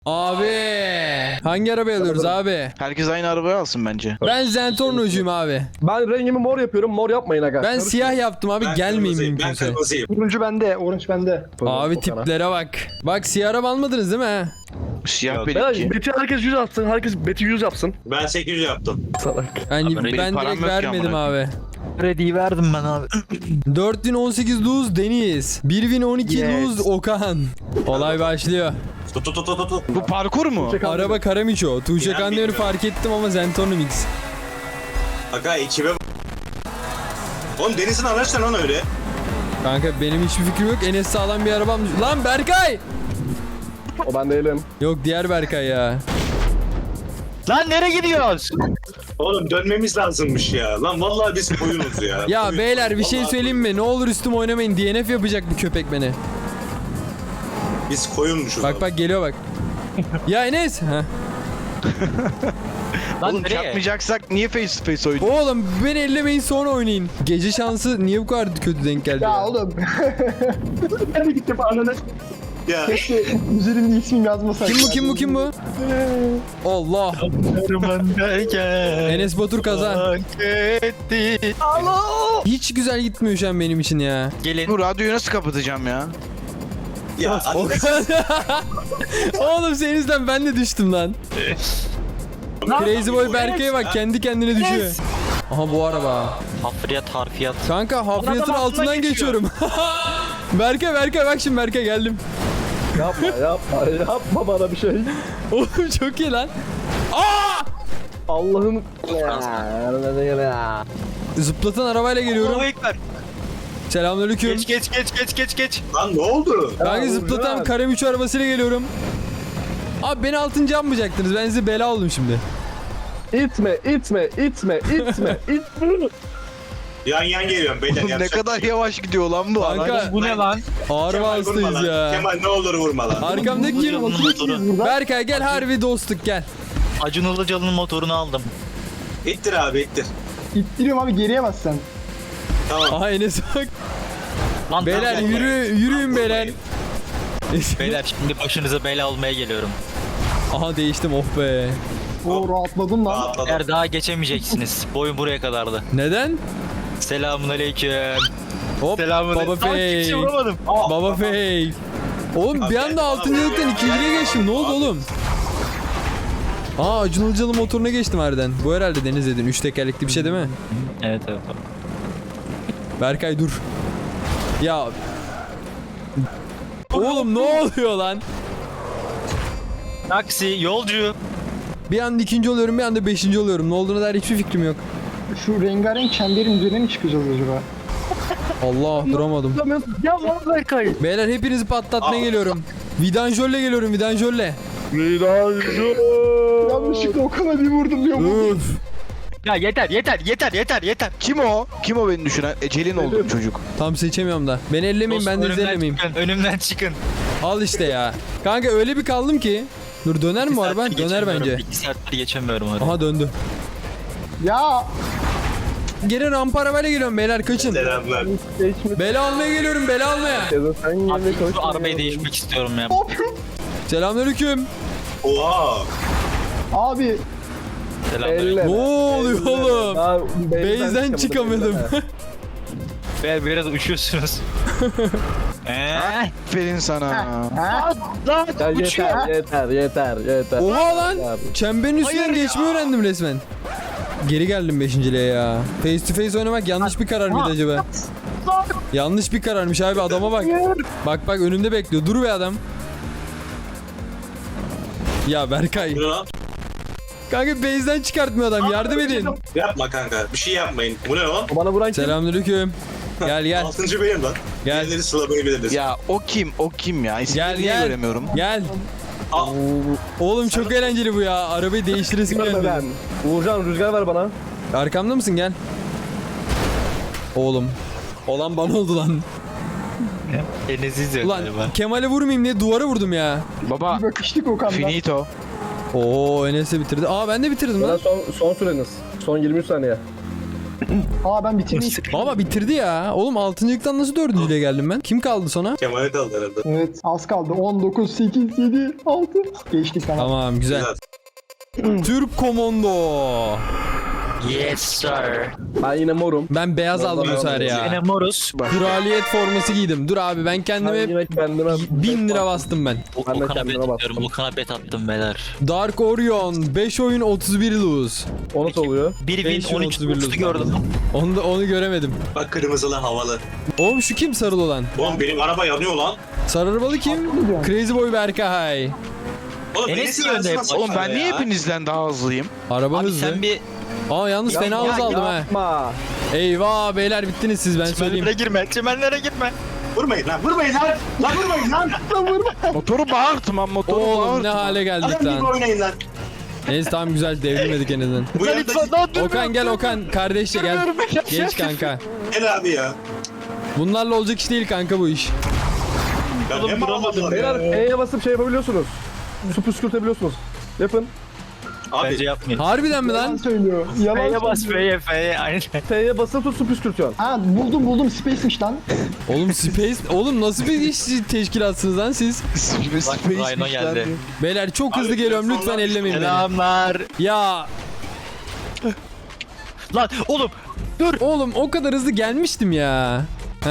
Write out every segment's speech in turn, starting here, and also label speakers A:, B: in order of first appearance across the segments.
A: Abi hangi arabayı alıyoruz abi?
B: Herkes aynı arabayı alsın bence.
A: Ben Zentorno'cuyum abi.
C: Ben rengimi mor yapıyorum. Mor yapmayın aga.
A: Ben siyah yaptım abi,
D: Ben
A: gelmeyin
D: kırmızıyım, ben
A: mümkünse.
D: kırmızıyım.
E: Turuncu bende, orange bende.
A: Abi tiplere bak. Bak siyah araba almadınız değil mi he?
B: Siyah
D: Yok.
B: benimki.
C: Beti herkes 100 atsın. Herkes beti 100 yapsın.
D: Ben 800 yaptım.
C: Salak.
A: Yani
B: Abi, benim
A: ben
B: param
A: direkt
B: yok ki
A: vermedim
B: amına
A: abi.
F: Krediyi verdim ben abi.
A: 4018 Luz Deniz. 1012
E: Yes.
A: Luz Okan. Olay başlıyor.
D: Tut tut tut tut tut.
B: Bu parkur mu?
A: Araba Karamiço. Tuğçe
D: İnan
A: Kanlı'yı
D: bilmiyorum.
A: fark ettim ama Zentorno Mix.
D: Aga ekibe bak. Oğlum Deniz'in araç lan öyle.
A: Kanka benim hiçbir fikrim yok. Enes sağlam bir arabam. Lan Berkay!
C: O ben değilim.
A: Yok diğer Berkay ya.
F: Lan nereye gidiyoruz?
D: Oğlum dönmemiz lazımmış ya. Lan vallahi biz koyunuz ya.
A: Ya
D: Koyun.
A: beyler bir şey
D: Vallahi
A: söyleyeyim mi? Ne olur üstüme oynamayın. DNF yapacak bu köpek beni.
D: Biz koyunmuşuz.
A: Bak bak geliyor bak. Ya Enes. Heh.
F: Lan
B: Oğlum
F: nereye?
B: çarpmayacaksak niye face to face oynuyoruz?
A: Oğlum beni ellemeyin sonra oynayın. Gece şansı niye bu kadar kötü denk geldi
E: Ya
A: ya?
E: oğlum. Ben de gittim ananı.
D: Ya.
E: Keşke üzerimde ismim yazmasaydı.
A: Kim bu kim bu kim bu? Allah. Enes Batur kaza. Hiç güzel gitmiyor şu an benim için ya.
F: Gelin.
B: Bu radyoyu nasıl kapatacağım ya?
D: Ya.
A: Oğlum senin yüzünden ben de düştüm lan. Crazy Boy Berkay'a bak kendi kendine düşüyor. Aha bu araba.
F: Hafriyat harfiyat.
A: Kanka hafriyatın altından geçiyorum. Berkay bak şimdi Berkay geldim.
C: Yapma bana bir şey.
A: Oğlum çok iyi lan.
C: Allah'ın...
A: Zıplatan arabayla geliyorum.
F: Allahu Ekber.
A: Selamünaleyküm.
F: Geç.
D: Lan ne oldu?
A: Kanka zıplatan
C: Uğurcan.
A: Karem 3 arabasıyla geliyorum. Abi beni 6. yapmayacaktınız. Ben size bela oldum şimdi.
C: İtme.
D: Yan yan geliyorum beyler.
B: Oğlum ne
D: yapacak
B: kadar
D: bir şey yok.
B: yavaş gidiyor lan bu
A: Kanka-
B: araç.
F: Bu ne lan?
A: Ağır
D: Kemal vurma
A: vasıtayız
D: lan.
A: ya.
D: Kemal ne olur vurma lan.
A: Arkamdaki kim?
F: Ilıcalı'nın motoru.
A: Berkay gel harbi dostluk gel.
F: Acun Ilıcalı'nın motorunu aldım.
D: İttir abi ittir.
E: İttiriyorum abi geriye bas sen.
D: Tamam.
A: Aha Enes bak.
F: Lan
A: Beyler
F: tamam,
A: yürüyün beyler.
F: Beyler şimdi başınıza bela olmaya geliyorum.
A: Aha değiştim oh be.
E: Oo rahatladım lan.
D: Atladım.
F: Eğer daha geçemeyeceksiniz. Boyun buraya kadardı.
A: Neden?
F: Selamun aleyküm.
A: Hop baba fake.
F: vuramadım.
A: Baba fake. Oğlum bir anda 6.lıktan 2.liğe geçtim. Ne oldu oğlum? Aa Acun Ilıcalı motoruna geçtim harbiden. Bu herhalde Deniz dedin. 3 tekerlekli bir şey değil mi?
F: Evet.
A: Berkay dur. Ya. Oğlum ne oluyor lan?
F: Taksi, yolcu.
A: Bir anda 2. oluyorum bir anda 5. oluyorum. Ne olduğuna dair hiçbir fikrim yok.
E: Şu rengarenk çemberin üzerine mi çıkacağız acaba?
A: Allah duramadım.
C: Ya lan Berkay.
A: Beyler hepinizi patlatmaya geliyorum. Vidanjörle geliyorum vidanjörle.
E: Yanlışlıkla Okan'a bir vurdum diyor bu.
A: Üf.
F: Ya yeter.
B: Kim o? Kim o beni düşüren? Ecelin oldu çocuk.
A: Tam seçemiyorum da. Beni ellemeyin ben de
F: Dostum,
A: izlemeyeyim.
F: Önümden çıkın.
A: Al işte ya. Kanka öyle bir kaldım ki. Dur döner mi bu araba?
F: Bir
A: Döner bence.
F: 2 saattir geçemiyorum oraya.
A: Aha döndü.
E: Ya
A: Geri rampa arabayla geliyorum beyler kaçın.
D: Selamlar.
A: Bela almaya geliyorum bela almaya.
C: Sen yine
F: Abi
C: koş.
F: şu arabayı değişmek istiyorum ya.
A: Selamünaleyküm.
D: Oha.
E: abi
F: Selamünaleyküm.
A: Ne oluyor oğlum? Base'den çıkamadım.
F: Beyler biraz uçuyorsunuz.
B: Aferin sana.
E: ha?
C: Ya yeter.
A: Oha lan. Çemberin üstünden geçmeyi öğrendim resmen. Geri geldim 5.liğe ya. Face to face oynamak yanlış bir karar mıydı acaba? Yanlış bir kararmış abi adama bak. Bak önümde bekliyor. Dur be adam. Ya Berkay.
D: Bu ne lan?
A: Kanka base'den çıkartmıyor adam. Yardım edin.
D: Yapma kanka. Bir şey yapmayın. Bu ne lan?
C: Bana vuran kim?
A: Selamünaleyküm. Gel.
D: 6. benim lan.
A: Gel.
D: Diğerleri sılamayı biliriz.
B: Ya o kim? O kim ya? İsmini niye
A: Gel.
B: göremiyorum?
A: Gel.
D: Al.
A: Oğlum çok eğlenceli bu ya. Arabayı değiştiresim
C: Görme
A: geldi.
C: ben. Uğurcan rüzgar ver bana.
A: Arkamda mısın gel. Oğlum. Olan bana oldu lan.
F: Elinizi izliyor
A: Ulan
F: galiba.
A: Kemal'e vurmayayım diye duvara vurdum ya.
B: Baba
E: Bir bakıştık Okan'dan.
B: finito.
A: Oo Enes de bitirdi. Aa ben de bitirdim
C: Bana
A: lan.
C: son süreniz. Son 23 saniye.
E: Aa ben bitirdim.
A: Baba bitirdi ya. Oğlum 6.lıktan nasıl 4.lüğe geldim ben? Kim kaldı sonra?
D: Kemal'e kaldı herhalde.
E: Evet az kaldı. 19, 8, 7, 6. Geçtik tamam.
A: Tamam güzel. Türk Komando.
F: Yes sir.
C: Ben yine morum.
A: Ben beyaz aldım bu sefer
F: Yine
A: ya.
F: moruz.
A: Kraliyet forması giydim. Dur abi ben
C: Ben
A: kendime
C: yine kendime
A: 1000 lira bastım ben.
C: Ben de
F: Okan'a bet
C: kendime
F: atıyorum.
C: bastım.
F: Okan'a bet attım beyler.
A: Dark Orion 5 oyun 31 lose.
C: O nasıl oluyor?
F: Bir
A: Beş
F: win 13
A: 31
F: lose'u gördüm.
A: Onu göremedim.
D: Bak kırmızılı havalı.
A: Oğlum şu kim sarılı olan?
D: Oğlum benim araba yanıyor lan.
A: Sarı arabalı kim? Crazy Boy Berkay.
D: Oğlum
F: Enes
D: Enes'in
F: niye önde
D: arasına
F: hep?
D: sıçradı
B: Oğlum ben niye
D: ya.
B: hepinizden daha hızlıyım?
A: Araba
F: Abi
A: hızlı.
F: sen bir
A: Aa yalnız fena hız aldım ha.
C: Yapma.
A: Eyvah beyler bittiniz siz ben söyleyeyim.
F: çimenlere girme. Çimenlere girme.
D: Vurmayın lan vurmayın lan. Lan vurmayın lan.
B: Motoru bağırttım lan motoru
A: Oğlum
B: bağırttım.
A: ne hale geldik
D: Adam gibi
A: lan.
D: oynayın lan.
A: Neyse tamam güzel devrilmedik en azından.
D: Bu yanda
A: Okan gel Okan kardeşçe gel. Geç kanka.
D: gel abi ya.
A: Bunlarla olacak iş değil kanka bu iş.
D: Ya ne mağazalar
C: Beyler
D: ya.
C: E'ye basıp şey yapabiliyorsunuz. Su püskürtebiliyorsunuz. Yapın.
F: Bence
D: Abi
F: yapmayın.
A: Harbiden mi
E: Yalan
A: lan?
E: söylüyor. Yalan
F: F'ye bas
E: söylüyor.
F: F'ye aynen.
C: T'ye basıp tut su püskürtüyorsun.
E: Ha buldum Space'miş lan.
A: Oğlum Space oğlum nasıl bir iş teşkilatsınız lan siz?
F: Bak Rhino geldi.
A: Beyler çok hızlı
D: Abi,
A: geliyorum lütfen
D: sonra-
A: ellemeyin beni.
F: Selamlar.
A: Ya
F: Lan oğlum
A: oğlum o kadar hızlı gelmiştim ya.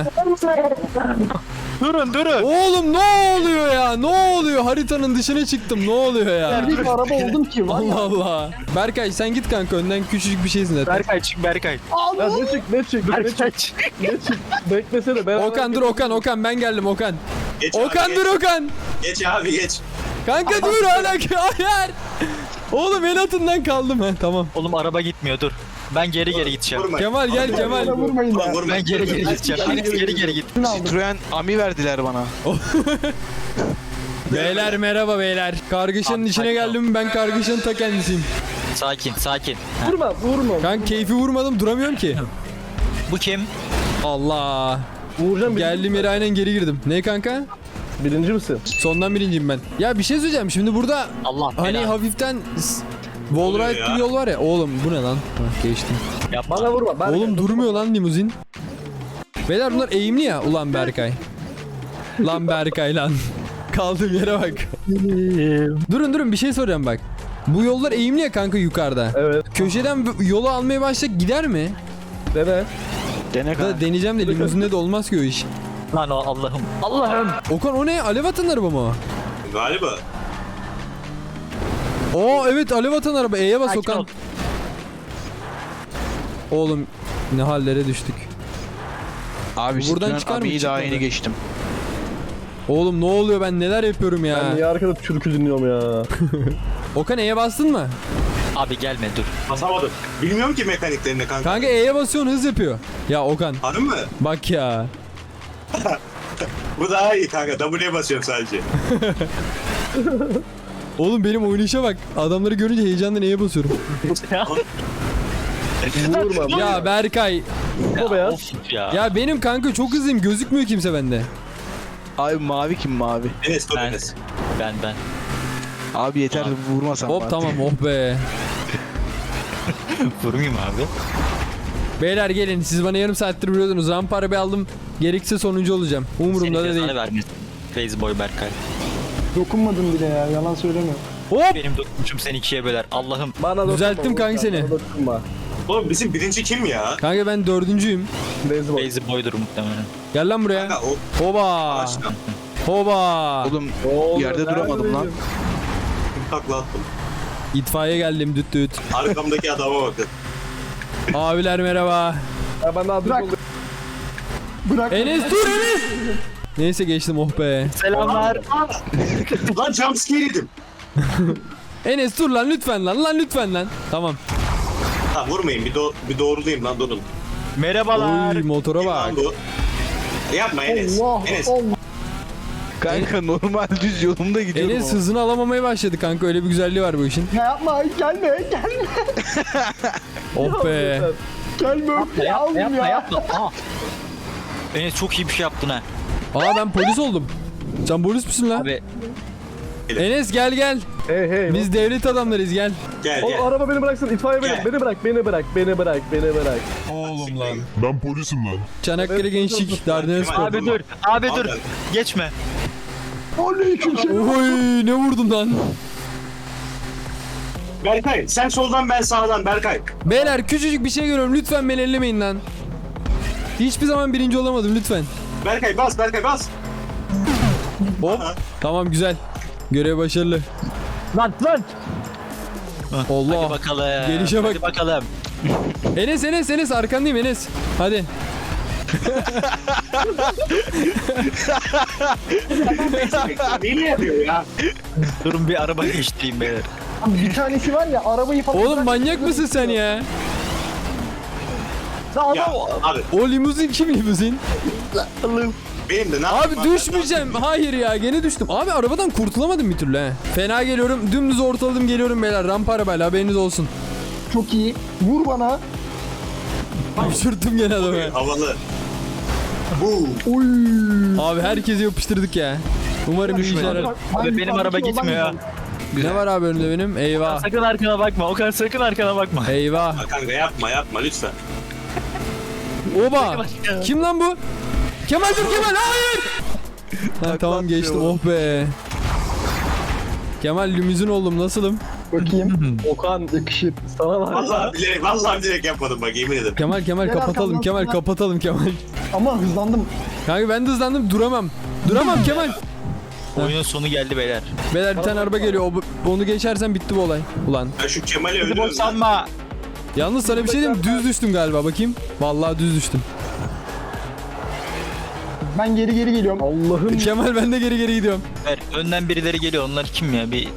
F: durun.
A: Oğlum ne oluyor ya? Ne oluyor? Haritanın dışına çıktım. Ne oluyor ya?
E: Bir araba oldum ki var ya.
A: Allah Allah. Berkay sen git kanka önden küçücük bir şeysin zaten.
F: Berkay çık Berkay.
C: Ya ne çık ne çık ne
F: Berkay
C: çık
F: çık.
C: ne çık. Beklesene beraber.
A: Okan dur Okan ben geldim Okan.
D: geç abi,
A: Okan
D: geç.
A: dur Okan.
D: Geç abi geç.
A: Kanka dur hala hayır. Oğlum el atından kaldım ha tamam.
F: Oğlum araba gitmiyor dur. Ben geri gideceğim.
D: Vurmayın.
A: Kemal gel
E: Bana
A: Kemal.
E: vurmayın
D: Oğlum
E: ya.
D: vurmayın.
F: Ben geri gideceğim. Biriniz geri git.
E: Şunu aldım.
B: Citroen Ami verdiler bana.
A: Beyler merhaba beyler. Kargaşanın
F: Abi,
A: içine
F: sakin ol.
A: geldim ben kargaşanın ta kendisiyim.
F: Sakin.
C: Vurma.
A: Kanka keyfi vurmadım duramıyorum ki.
F: Bu kim?
A: Allah.
C: Vuracağım.
A: Geldiğim yere aynen geri girdim. Ne kanka?
C: Birinci misin?
A: Sondan birinciyim ben. Ya bir şey söyleyeceğim şimdi burada
F: Allah
A: hani
F: belanı.
A: hafiften
D: oluyor
A: Wallride
D: ya?
A: gibi yol var ya. Oğlum bu ne lan? Hah, geçtim.
F: Yapma.
C: Bana vurma. Ben
A: Oğlum durmuyor lan limuzin. Beyler bunlar eğimli ya. Ulan Berkay. Lan Berkay lan. Kaldığım yere bak. Durun bir şey soracağım bak. Bu yollar eğimli ya kanka yukarıda.
C: Evet.
A: Köşeden yolu almaya başlasak gider mi?
C: Dene.
B: Dene kanka.
A: Da deneyeceğim de limuzinde de olmaz ki o iş.
F: Lan o Allah'ım.
A: Okan o ne? Alev atan araba mı o?
D: Galiba.
A: Oo evet alev atan araba. E'ye bas
F: Sakin
A: Okan.
F: ol.
A: Oğlum ne hallere düştük.
B: Abi
A: Buradan
B: Citroen
A: çıkar mı?
B: Ami'yi daha
A: Çıkmadı.
B: yeni geçtim.
A: Oğlum ne oluyor ben neler yapıyorum
C: Ben
A: ya.
C: niye arkada türkü dinliyorum ya?
A: Okan E'ye bastın mı?
F: Abi gelme dur.
D: Basamadım. Bilmiyorum ki mekaniklerini kanka.
A: Kanka E'ye basıyorsun hız yapıyor. Ya Okan
D: Harbi mi?
A: bak ya.
D: Bu daha iyi kanka. W'ye basıyorum sadece.
A: Oğlum benim oynayışa bak. Adamları görünce heyecandan E'ye basıyorum.
C: Vurma.
A: Ya Berkay.
C: Bu beyaz.
F: Of ya.
A: Ya benim kanka çok hızlıyım. Gözükmüyor kimse bende.
B: Abi mavi kim mavi?
D: Enes dur
F: Ben-
D: Enes.
F: Ben.
B: Abi yeter vurmasan
A: Hop
B: bari.
A: tamam oh be.
F: Vurmayayım abi.
A: Beyler gelin siz bana yarım saattir biliyordunuz. Rampa arabayı aldım. Gerekirse sonuncu olacağım. Umurumda
F: Senin
A: da
F: cezanı
A: değil.
F: vermesin. Faceboy Berkay.
E: Dokunmadım bile ya. Yalan söyleme.
A: Hop.
F: Benim dokunuşum seni ikiye böler. Allah'ım.
C: Bana dokunma,
A: Düzelttim kanka
C: Volkan,
A: seni.
C: bana dokunma.
D: Oğlum bizim birinci kim ya?
A: Kanka ben dördüncüyüm.
C: Beyzi bak.
F: Faceboy'dur muhtemelen.
A: Gel lan buraya.
D: Kanka o
A: Hoba.
D: ağaçtan
A: Hoba.
B: Oğlum
C: Oğlum,
B: yerde duramadım lan.
C: neredeyim?
D: takla attım.
A: İtfaiye geldim düt düt.
D: Arkamdaki adama bakın.
A: Abiler merhaba.
C: Ya ben daha düz
E: Bırak.
C: oldum.
E: Bırak.
A: Enes dur Enes. Neyse geçtim oh be.
F: Selamlar.
D: Lan jumpscare yedim.
A: Enes dur lan lütfen lan lütfen lan. Tamam.
D: Ha vurmayın bir doğrulayayım lan durun.
F: Merhabalar.
A: Oy motora
D: Kim
A: bak.
D: lan bu? Yapma Enes.
E: Allah
D: Enes.
E: Allah.
B: Kanka normal düz yolumda gidiyorum
A: Enes
B: ama.
A: hızını alamamaya başladı kanka öyle bir güzelliği var bu işin.
E: Ya yapma gelme.
A: Oh be.
E: Gelme. Ya oğlum ya.
F: Aa. Enes çok iyi bir şey yaptın ha.
A: Aa ben polis oldum. Sen polis misin lan?
F: Abi
A: Enes gel gel.
C: Hey.
A: Biz devlet adamlarıyız gel.
D: Gel
C: O
D: gel.
C: araba beni bıraksın. İtfaiye
D: Gel.
C: beni bırak. Beni bırak.
A: Oğlum lan.
G: Ben polisim lan.
A: Çanakkale Gençlik Dardanelles.
D: Kemal.
F: Abi dur. Abi dur.
D: Abi.
F: Geçme.
E: Aleykümselam.
A: Oy ne vurdun lan?
D: Berkay sen soldan ben sağdan Berkay.
A: Beyler küçücük bir şey görüyorum lütfen beni ellemeyin lan. Hiçbir zaman birinci olamadım lütfen.
D: Berkay bas Berkay bas.
A: Hop. Tamam güzel. Görev başarılı.
C: Lan.
A: Allah.
F: Hadi bakalım.
A: Gelişe bak.
F: Hadi bakalım.
A: Enes arkandayım Enes. Hadi.
D: Neyi yapıyor ya?
F: Durun bir araba geçtireyim beyler.
E: Bir tanesi var ya arabayı falan...
A: Oğlum manyak mısın sen ya?
D: Ya abi
A: O limuzin kim limuzin?
D: benim de ne
A: Abi
D: yapayım
A: düşmeyeceğim. Hayır ya gene düştüm. Abi arabadan kurtulamadım bir türlü he. Fena geliyorum. Dümdüz ortaladım geliyorum beyler. Rampa arabayla haberiniz olsun.
E: Çok iyi. Vur bana.
A: Düşürdüm gene adamı.
D: Havalı. Bu.
E: Oy.
A: Abi herkesi yapıştırdık ya. Umarım iyi işler.
F: Abi benim araba gitmiyor.
A: Ne var abi önümde benim? Eyvah.
F: Sakın arkana bakma. Okan sakın arkana bakma.
A: Eyvah.
D: Kanka yapma lütfen.
A: Oba. Kim lan bu? Kemal dur Kemal hayır. Ha, tamam geçtim oh be. Kemal limuzin oldum nasılım?
E: Bakayım.
C: Okan
E: Yakışır.
C: sana var.
D: Vallahi bilerek yapmadım bak yemin ederim.
A: Kemal
E: Gel
A: kapatalım
E: arkamdan
A: Kemal
E: sana.
A: kapatalım Kemal.
E: Ama hızlandım.
A: Kanka ben de hızlandım duramam. Duramam Kemal.
F: Oyunun sonu geldi beyler.
A: Beyler bir tane araba geliyor. Onu geçersen bitti bu olay. Ulan.
D: Ben şu Kemal'i
F: Hadi
D: öldürüyorum.
F: boşanma.
A: Yalnız sana bir şey diyeyim mi? Düz düştüm galiba bakayım. Vallahi düz düştüm.
E: Ben geri geliyorum.
C: Allah'ım.
A: Kemal ben de geri gidiyorum.
F: Ver, önden birileri geliyor. Onlar kim ya? Bir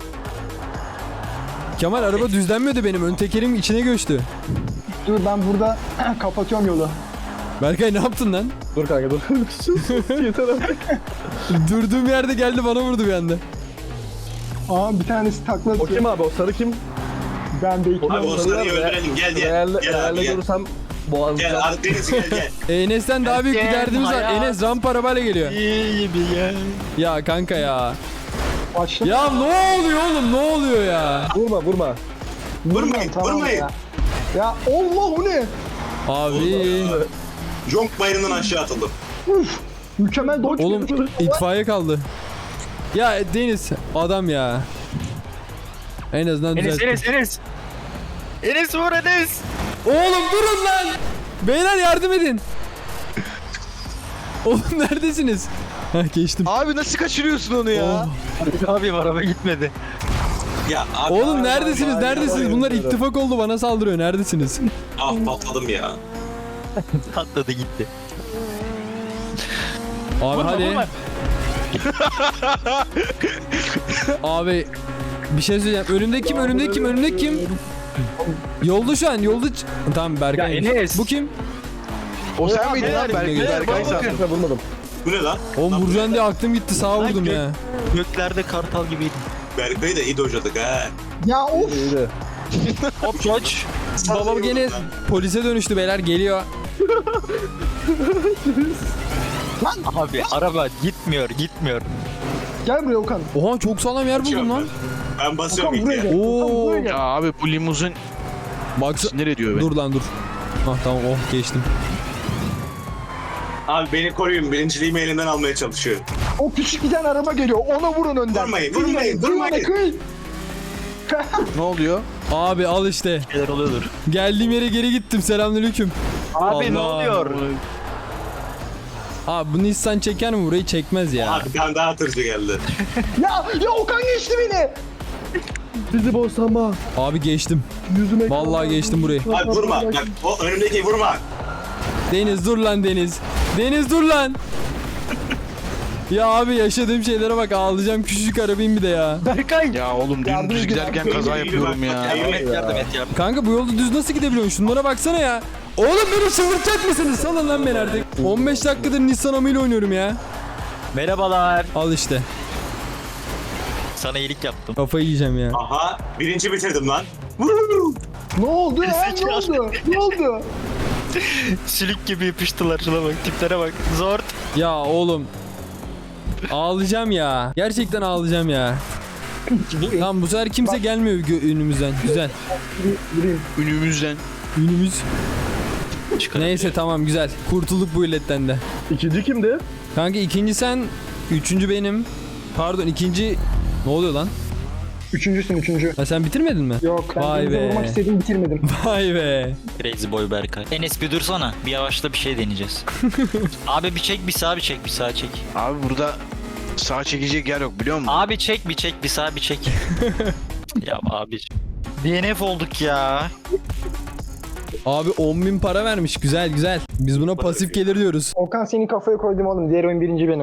A: Kemal araba düzlenmiyordu benim. Ön tekerim içine göçtü.
E: Dur ben burada kapatıyorum yolu.
A: Berkay ne yaptın lan?
C: Dur kanka dur. Sus, yeter artık.
A: Durduğum yerde geldi bana vurdu bir anda.
E: Aa bir tanesi takla
C: O
E: atıyor.
C: kim abi? O sarı kim?
E: Ben bekliyorum.
D: Abi o sarıyı öldürelim gel
C: Eğerle
D: abi gel.
C: görürsem boğazlayacağım.
D: Gel abi Deniz gel.
A: Enes'ten daha büyük bir derdimiz var.
F: hayat.
A: Enes rampa arabayla geliyor.
F: iyi bir yer.
A: Ya kanka ya.
E: Başla.
A: Ya ne oluyor oğlum ne oluyor ya?
C: Vurma.
D: Vurmayın
E: Tamam
D: vurmayın.
E: Ya Allah o ne?
A: Abi.
D: Jonk bayırından aşağı atıldım.
E: Uf. Mükemmel dodge.
A: Oğlum itfaiye kaldı. Ya Deniz adam ya. En azından
F: Enes
A: düzeltti.
F: Enes. Enes vur Enes.
A: Oğlum durun lan. Beyler yardım edin. Oğlum neredesiniz? Hah geçtim.
B: Abi nasıl kaçırıyorsun onu ya?
F: Abi araba gitmedi.
D: Ya abi
A: Oğlum neredesiniz? Neredesiniz? Bunlar ittifak oldu bana saldırıyor. Neredesiniz?
D: ah patladım ya.
F: Atladı gitti.
A: Abi hadi. Abi bir şey söyleyeceğim. Önümde kim? Yolda şu an. Tamam Berkay.
F: Ya Enes.
A: Bu kim?
B: O sen miydin lan
A: Berkay?
B: Berkay sandım.
C: Ben vurmadım.
D: Bu ne lan?
A: Oğlum vuracaksın diye aklım gitti. Sağa vurdum ya.
F: Göklerde kartal gibiydi.
D: Berkay'ı da iyi dojladık ha.
E: Ya of.
C: İyiydi.
F: Hop koç.
A: Babam gene polise dönüştü beyler. Geliyor.
F: Abi araba gitmiyor.
E: Gel buraya Okan.
A: Oha çok sağlam yer buldum lan.
D: Ben basıyorum
E: Okan buraya
D: ilk ya.
E: gel.
A: Oo.
E: Okan buraya gel.
B: Ya abi bu limuzin
A: Baksa...
B: sinir ediyor beni.
A: Dur lan dur. Ah tamam oh geçtim.
D: Abi beni koruyun. Birinciliğimi elimden almaya çalışıyor.
E: O küçük bir tane araba geliyor. Ona vurun önden.
D: Vurmayın.
E: Kıy.
B: Ne oluyor?
A: Abi al işte.
F: Şeyler oluyordur.
A: Geldiğim yere geri gittim. Selamünaleyküm.
F: Abi ne
A: Allah.
F: oluyor?
A: Abi bu Nissan çeker mi burayı çekmez ya.
D: Abi bir tane daha tırcı geldi.
E: Ya Okan geçti beni.
C: Bizi boşanma.
A: Abi geçtim.
C: Yüzüme
A: Vallahi geçtim burayı.
D: Abi vurma. Bak o önümdeki vurma.
A: Deniz dur lan Deniz. Deniz dur lan. Ya abi yaşadığım şeylere bak ağlayacağım küçücük arabayım bir de ya.
F: Berkay.
B: Ya oğlum dümdüz giderken kaza yapıyorum ya.
F: Yardım et.
A: Kanka bu yolda düz nasıl gidebiliyorsun? Şunlara baksana ya. Oğlum beni çıldırtacak mısınız? Salın lan beni artık. 15 dakikadır Nissan amıyla oynuyorum ya.
F: Merhabalar.
A: Al işte.
F: Sana iyilik yaptım.
A: Kafayı yiyeceğim ya.
D: Aha birinci bitirdim lan.
E: Ne oldu ya? Ne oldu? Ne oldu?
F: Sülük gibi yapıştılar. Şuna bak. Tiplere bak. Zor.
A: Ya oğlum. Ağlayacağım ya. Gerçekten ağlayacağım ya. Tamam bu sefer kimse gelmiyor önümüzden. Güzel.
C: Gireyim.
B: Önümüzden.
A: Önümüz.
F: Çıkarabiliyor.
A: Neyse tamam güzel. Kurtulduk bu illetten de.
C: İkinci kimdi?
A: Kanka ikinci sen, üçüncü benim. Pardon ikinci... Ne oluyor lan?
E: Üçüncüsün üçüncü.
A: Ha sen bitirmedin mi?
E: Yok ben
A: Vay
E: denize
A: be.
E: vurmak istedim bitirmedim.
A: Vay be.
F: Crazy boy Berkay. Enes bir dursana. Bir yavaşla bir şey deneyeceğiz. Abi bir çek bir sağa bir çek bir sağa çek.
B: Abi burada sağ çekecek yer yok biliyor musun?
F: Abi çek bir çek bir sağa bir çek. Ya abi. DNF olduk ya.
A: Abi 10.000 para vermiş. Güzel güzel. Biz buna pasif gelir diyoruz.
E: Okan seni kafaya koydum oğlum. Diğer oyun birinci benim.